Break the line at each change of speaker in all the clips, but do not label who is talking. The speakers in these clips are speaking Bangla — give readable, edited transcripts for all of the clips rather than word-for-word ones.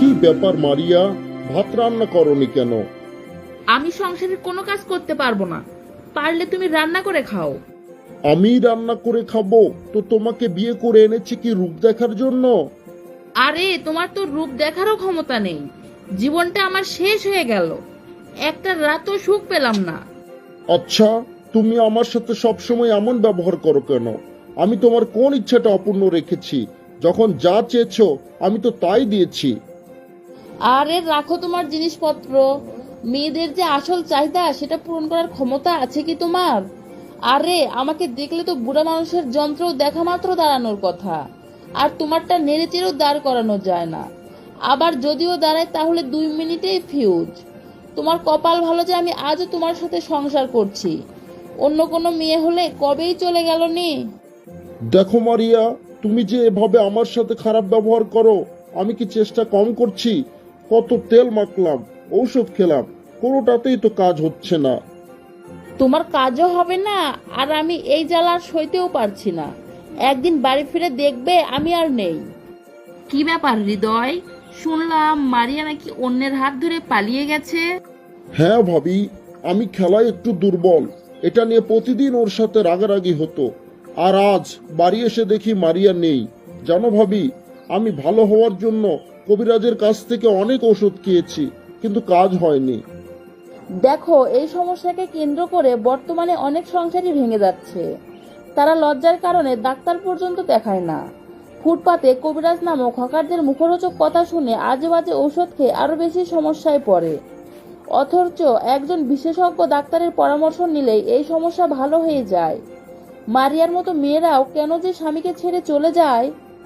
ব্যাপার মারিয়া, ভাত রান্না করনি কেন?
আমি সংসারের কোনো কাজ করতে পারবো না, পারলে তুমি রান্না করে খাও।
আমি রান্না করে খাবো? তো তোমাকে বিয়ে করে এনেছি কি রূপ দেখার জন্য?
আরে তোমার তো রূপ দেখারও ক্ষমতা নেই। জীবনটা আমার শেষ হয়ে গেল, একটা রাতও সুখ পেলাম না।
আচ্ছা, তুমি আমার সাথে সবসময় এমন ব্যবহার করো কেন? আমি তোমার কোন ইচ্ছাটা অপূর্ণ রেখেছি? যখন যা চেয়েছো আমি তো তাই দিয়েছি।
আরে রাখো তোমার জিনিসপত্র, মেয়েদের যে আসল চাহিদা সেটা পূরণ করার ক্ষমতা আছে কি তোমার? আরে আমাকে দেখলে তো বুড়া মানুষের যন্ত্র দেখা মাত্র দাঁড়ানোর কথা, আর তোমারটা নেড়েচেড়েও দাঁড় করানো যায় না। আবার যদিও দাঁড়ায় তাহলে 2 মিনিটেই ফিউজ। তোমার কপাল ভালো যে আমি আজও তোমার সাথে সংসার করছি, অন্য কোনো মেয়ে হলে কবেই চলে গেল নি।
দেখো মারিয়া, তুমি যে এভাবে আমার সাথে খারাপ ব্যবহার করো, আমি কি চেষ্টা কম করছি? কত তেল মাখলাম, ঔষধ খেলাম, কোনোটাতেই তো কাজ হচ্ছে না।
তোমার কাজও হবে না, আর আমি এই জ্বালা আর সইতেও পারছি না। একদিন বাড়ি ফিরে দেখবে আমি আর নেই। কি ব্যাপার হৃদয়, শুনলাম মারিয়া নাকি অন্যের হাত ধরে পালিয়ে গেছে?
হ্যাঁ ভাবি, আমি খেলায় একটু দুর্বল, এটা নিয়ে প্রতিদিন ওর সাথে রাগারাগি হতো। আর আজ বাড়ি এসে দেখি মারিয়া নেই। জানো ভাবি, আমি ভালো হওয়ার জন্য কবিরাজের কাছ থেকে অনেক ওষুধ খেয়েছি, কিন্তু কাজ হয়নি।
দেখো, এই সমস্যাকে কেন্দ্র করে বর্তমানে অনেক সংসারই ভেঙে যাচ্ছে। তারা লজ্জার কারণে ডাক্তার পর্যন্ত দেখায় না। ফুটপাতে কবিরাজ নামক হকারদের মুখরোচক কথা শুনে আজে বাজে ঔষধ খেয়ে আরো বেশি সমস্যায় পড়ে। অথচ একজন বিশেষজ্ঞ ডাক্তারের পরামর্শ নিলেই এই সমস্যা ভালো হয়ে যায়। মারিয়ার মতো মেয়েরাও কেন যে স্বামীকে ছেড়ে চলে যায়।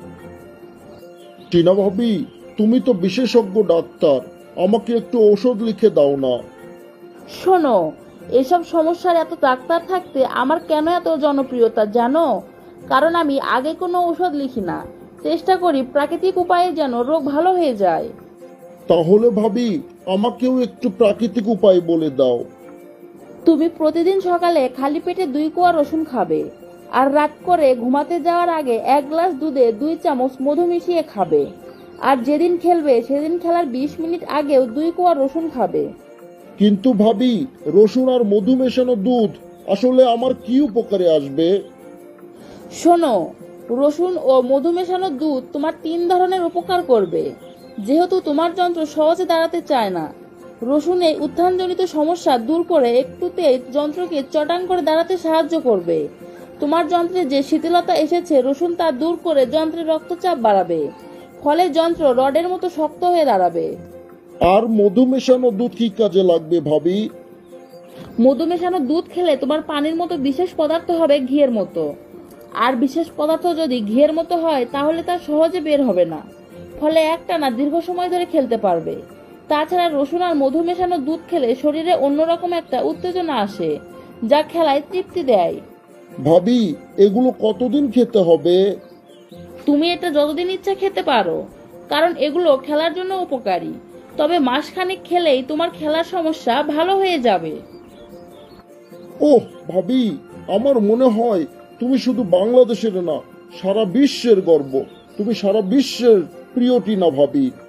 টিনা ভাবি, তুমি তো বিশেষজ্ঞ ডাক্তার, আমাকে একটু ঔষধ লিখে দাও না।
শোনো, এসব সমস্যার এত ডাক্তার থাকতে আমার কেন এত জনপ্রিয়তা জানো? কারণ আমি আগে কোনো ঔষধ লিখি না, চেষ্টা করি প্রাকৃতিক উপায়ে যেন রোগ ভালো হয়ে যায়।
তাহলে ভাবি, আমাকেও একটু প্রাকৃতিক উপায় বলে দাও।
তুমি প্রতিদিন সকালে খালি পেটে 2 কোয়া রসুন খাবে, আর রাত করে ঘুমাতে যাওয়ার আগে 1 গ্লাস দুধে 2 চামচ মধু মিশিয়ে খাবে। আর যেদিন খেলবে সেদিন খেলার 20 মিনিট আগেও 2 কোয়া রসুন খাবে।
কিন্তু ভাবি, রসুন আর মধু মেশানো দুধ আসলে আমার কি উপকারে আসবে?
শোনো, রসুন ও মধু মেশানো দুধ তোমার 3 ধরনের উপকার করবে। যেহেতু তোমার যন্ত্র সহজে দাঁড়াতে চায় না, রসুনে উত্থানজনিত সমস্যা দূর করে একটুতে যন্ত্রকে চটাং করে দাঁড়াতে সাহায্য করবে। তোমার যন্ত্রে যে শিথিলতা এসেছে, রসুন তা দূর করে যন্ত্রের রক্তচাপ বাড়াবে, ফলে যন্ত্র রডের মতো শক্ত হয়ে দাঁড়াবে।
আর মধু মেশানো দুধ কি কাজে লাগবে ভাবি?
মধু মেশানো দুধ খেলে তোমার পানির মতো বিশেষ পদার্থ হবে ঘিয়ের মতো। আর বিশেষ পদার্থ যদি ঘিয়ের মতো হয় তাহলে তা সহজে বের হবে না, ফলে একটানা দীর্ঘ সময় ধরে খেলতে পারবে। তাছাড়া রসুন আর মধু মেশানো দুধ খেলে শরীরে অন্যরকম একটা উত্তেজনা আসে, যা খেলায় তৃপ্তি দেয়।
ভাবি, এগুলো কতদিন খেতে হবে?
তুমি এটা যতদিন ইচ্ছা খেতে পারো, কারণ এগুলো খেলার জন্য উপকারী। তবে মাসখানেক খেলেই তোমার খেলার সমস্যা ভালো হয়ে যাবে।
ওহ ভাবি, আমার মনে হয় তুমি শুধু বাংলাদেশের না, সারা বিশ্বের গর্ব। তুমি সারা বিশ্বের প্রিয় টিনা ভাবি।